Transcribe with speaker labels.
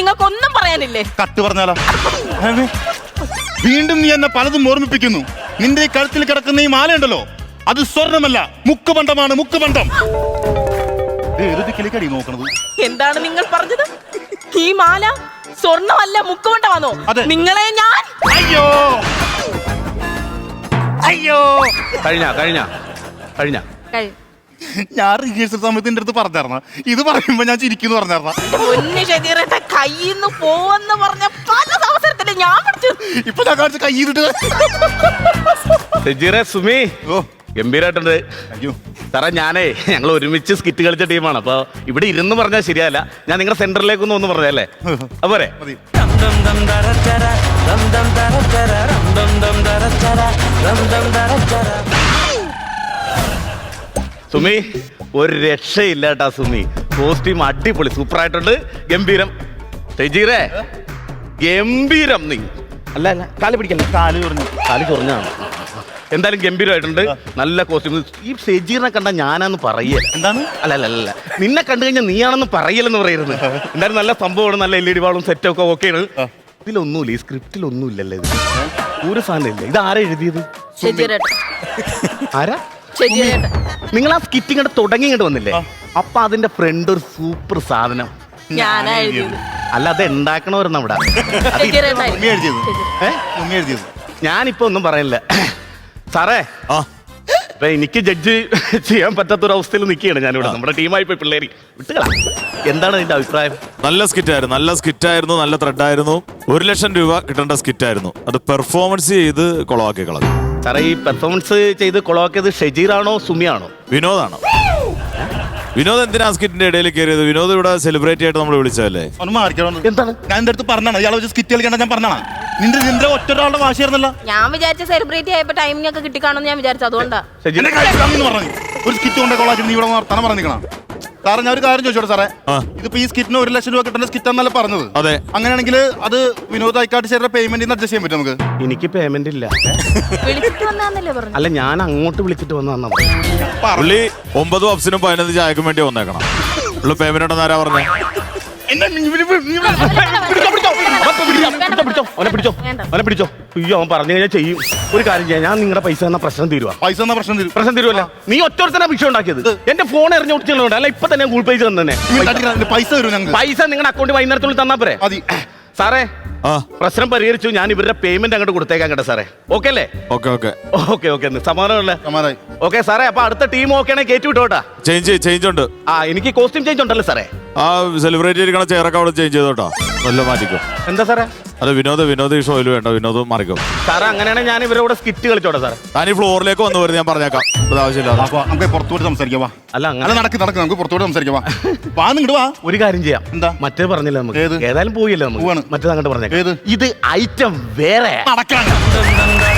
Speaker 1: നിങ്ങൾക്കൊന്നും പറയാനില്ലേ?
Speaker 2: കട്ട് പറഞ്ഞാലോ? വീണ്ടും നീ എന്നെ പലതും ഓർമ്മിപ്പിക്കുന്നു. നിന്റെ ഈ കഴുത്തിൽ കിടക്കുന്ന ഈ മാലയുണ്ടല്ലോ, അത് സ്വർണമല്ല, മുക്കുപണ്ടമാണ്. മുക്കുപണ്ടം. കിളിക്കടി നോക്കണത്.
Speaker 1: എന്താണ് നിങ്ങൾ പറഞ്ഞത്? ഈ മാല സ്വർണ്ണമല്ല, മുക്കുപണ്ടമാണോ? നിങ്ങളെ ഞാൻ
Speaker 2: അയ്യോ അയ്യോ
Speaker 3: കഴിഞ്ഞ
Speaker 2: ഞാൻ റിഹേഴ്സൽ സമയത്ത് എന്റെ അടുത്ത് പറഞ്ഞാർന്ന ഇത് പറയുമ്പോ ഞാൻ ചിരിക്കുന്നു പറഞ്ഞാർന്ന.
Speaker 1: പൊന്നു ഷജീറേട്ട, കയ്യിന്ന് പോവെന്ന് പറഞ്ഞ പല അവസരത്തില് ഞാൻ പിടിച്ചു.
Speaker 2: ഇപ്പൊ ഞാൻ കാണിച്ച കയ്യിലിട്ട്
Speaker 3: സുമി ഗംഭീരായിട്ടുണ്ട്. സാറേ ഞാനേ ഞങ്ങൾ ഒരുമിച്ച് സ്കിറ്റ് കളിച്ച ടീമാണ്. അപ്പൊ ഇവിടെ ഇരുന്ന് പറഞ്ഞാൽ ശരിയല്ല. ഞാൻ നിങ്ങളുടെ സെന്ററിലേക്കൊന്നും ഒന്ന് പറഞ്ഞല്ലേ? അപ്പോരെ സുമി ഒരു രക്ഷയില്ല കേട്ടാ സുമി. കോസ്റ്റ്യൂം അടിപൊളി, സൂപ്പറായിട്ടുണ്ട്. ഗംഭീരം. ഷജീറേ ഗംഭീരം. നീ അല്ല കാല് പിടിക്കല്ലേ? കാല് ചൊറിഞ്ഞാണ്. എന്തായാലും ഗംഭീരമായിട്ടുണ്ട്. നല്ല കോസ്റ്റ്യൂം. ഈ ഷജീറിനെ കണ്ട ഞാനാന്ന് പറയല.
Speaker 2: എന്താണ്?
Speaker 3: അല്ല നിന്നെ കണ്ടു കഴിഞ്ഞാൽ നീയാണെന്ന് പറയലെന്ന് പറയുന്നത്. എന്തായാലും നല്ല സംഭവമാണ്. നല്ല LED വാളും സെറ്റൊക്കെ ഓക്കെയാണ്. ഇതിലൊന്നുമില്ല, ഈ സ്ക്രിപ്റ്റിലൊന്നും ഇല്ലല്ലേ? ഇത് ഒരു സാധനം ഇല്ല. ഇത് ആരാ എഴുതിയത്? ആരാ? നിങ്ങൾ ആ സ്കിറ്റിംഗ് തുടങ്ങിയിട്ട് വന്നില്ലേ? അപ്പൊ അതിന്റെ ഫ്രണ്ട് ഒരു സൂപ്പർ സാധനം അല്ല, അത് ഉണ്ടാക്കണവരുന്ന അവിടെ. ഞാനിപ്പോ ഒന്നും പറയില്ല സാറേ. ഇപ്പൊ എനിക്ക് ജഡ്ജ് ചെയ്യാൻ പറ്റാത്തൊരവസ്ഥയിൽ നിൽക്കുകയാണ് ഞാനിവിടെ. നമ്മുടെ ടീമായി പോയി പിള്ളേര് വിട്ടുകളാ. എന്താണ് നിന്റെ അഭിപ്രായം?
Speaker 4: നല്ല സ്കിറ്റായിരുന്നു, നല്ല ത്രെഡായിരുന്നു. 1 ലക്ഷം രൂപ കിട്ടേണ്ട സ്കിറ്റായിരുന്നു. അത് പെർഫോമൻസ് ചെയ്ത് കൊളവാക്കി കളഞ്ഞു.
Speaker 3: സാറേ ഈ പെർഫോമൻസ് ചെയ്ത് കൊളവാക്കിയത് ഷജീറാണോ സുമിയാണോ?
Speaker 4: വിനോദാണോ? വിനോദ് എന്തിനാ സ്കിറ്റിന്റെ ഇടയിൽ കയറിയത്? വിനോദ് ഇവിടെ സെലിബ്രേറ്റ് ആയിട്ട് നമ്മൾ വിളിച്ചതല്ലേ?
Speaker 2: എന്താണ് ഞാൻ എന്റെ അടുത്ത് പറഞ്ഞാണ് ഇയാളെ വെച്ച് സ്കിറ്റ് കളിക്കണ്ട. ഞാൻ പറഞ്ഞാണ് നിന്റെ ഒറ്റൊരാളുടെ വാശിയായിരുന്നല്ലോ.
Speaker 1: ഞാൻ വിചാരിച്ച സെലിബ്രേറ്റ് ആയപ്പോ ടൈമിംഗ് ഒക്കെ കിട്ടിക്കാണെന്ന് ഞാൻ വിചാരിച്ചു. അതുകൊണ്ടാ
Speaker 2: പറഞ്ഞു ഒരു സ്കിറ്റ് കൊണ്ട് കൊള്ളാക്കി നീ ഇവിടെ വർത്തമാനം പറഞ്ഞിരിക്കണം. സാറേ ഞാൻ ഒരു കാര്യം ചോദിച്ചോട്ടെ സാറേ, ഇതിപ്പോ ഈ സ്കിറ്റിന് 1 ലക്ഷം രൂപ കിട്ടുന്ന സ്കിറ്റ് എന്നല്ല പറഞ്ഞത്?
Speaker 4: അതെ.
Speaker 2: അങ്ങനെയാണെങ്കിൽ അത് വിനോദ് ഐക്കാട്ട് ചേർന്ന പേയ്മെന്റ് അഡ്ജസ്റ്റ് ചെയ്യാൻ പറ്റും നമുക്ക്?
Speaker 3: എനിക്ക് പേയ്മെന്റ് ഇല്ല. അല്ല ഞാൻ അങ്ങോട്ട് വിളിച്ചിട്ട് വന്ന
Speaker 4: പുള്ളി 9 പപ്സിനും 15 ചായക്കും വേണ്ടി വന്നേക്കണം. പുള്ളി പേയ്മെന്റ് ഉണ്ടെന്ന് ആരാ പറഞ്ഞേ?
Speaker 3: പിടിച്ചോ. അയ്യോ അവൻ പറഞ്ഞു കഴിഞ്ഞാൽ ചെയ്യും. ഒരു കാര്യം ചെയ്യാം, ഞാൻ നിങ്ങളുടെ പൈസ തന്ന പ്രശ്നം തീരുവാ. പ്രശ്നം തീരുവല്ല. നീ ഒറ്റ വിഷയം ഉണ്ടാക്കിയത്. എന്റെ ഫോൺ എറിഞ്ഞു കൊടുത്തിട്ടുണ്ട്. അല്ല ഇപ്പൊ തന്നെ ഗൂഗിൾ പേ തന്നെ പൈസ നിങ്ങളുടെ അക്കൗണ്ട് വൈകുന്നേരത്തുള്ളിൽ തന്നാ പോരെ? സാറേ പ്രശ്നം പരിഹരിച്ചു. ഞാൻ ഇവരുടെ പേയ്മെന്റ് അങ്ങോട്ട് കൊടുത്തേക്കാൻ കേട്ടോ സാറേ. ഓക്കെ അല്ലേ? ഓക്കെ സമാധാനമല്ലേ? ഓക്കെ സാറേ. അപ്പൊ അടുത്ത ടീം ഓക്കെ ആണെങ്കിൽ കയറ്റി വിട്ടോട്ടാ.
Speaker 4: ചേഞ്ച് ഉണ്ട്.
Speaker 3: എനിക്ക് കോസ്റ്റ്യൂം ചേഞ്ച് ഉണ്ടല്ലോ സാറേ.
Speaker 4: ആ സെലിബ്രേറ്റ് ചെയ്തിരിക്കണ ചെയറൊക്കെ അവിടെ ചേഞ്ച് ചെയ്തോട്ടോ. നല്ല മാറ്റിക്കോ.
Speaker 3: എന്താ സാറേ?
Speaker 4: അത് വിനോദ് ഈ ഷോയിൽ വേണ്ട. വിനോദ് മാറിക്കോ
Speaker 3: സാറേ. അങ്ങനെയാണെങ്കിൽ ഞാൻ ഇവരോട് സ്കിറ്റ് കളിച്ചോട്ടെ സാറേ.
Speaker 4: ഞാൻ ഈ ഫ്ലോറിലേക്ക് വന്നു വരുന്നത് ഞാൻ പറഞ്ഞേക്കാം. ആവശ്യമില്ല.
Speaker 2: നമുക്ക് പുറത്തോട്ട് സംസാരിക്കാം.
Speaker 3: അല്ല
Speaker 2: നടക്ക് നമുക്ക് പുറത്തോട്ട് സംസാരിക്കാം.
Speaker 3: ഒരു കാര്യം ചെയ്യാം. എന്താ മറ്റേ പറഞ്ഞില്ല നമുക്ക്? ഏതായാലും പോയില്ലേ നമുക്ക്? മറ്റേത് അങ്ങോട്ട് പറഞ്ഞേക്കാം. ഇത് ഐറ്റം വേറെ.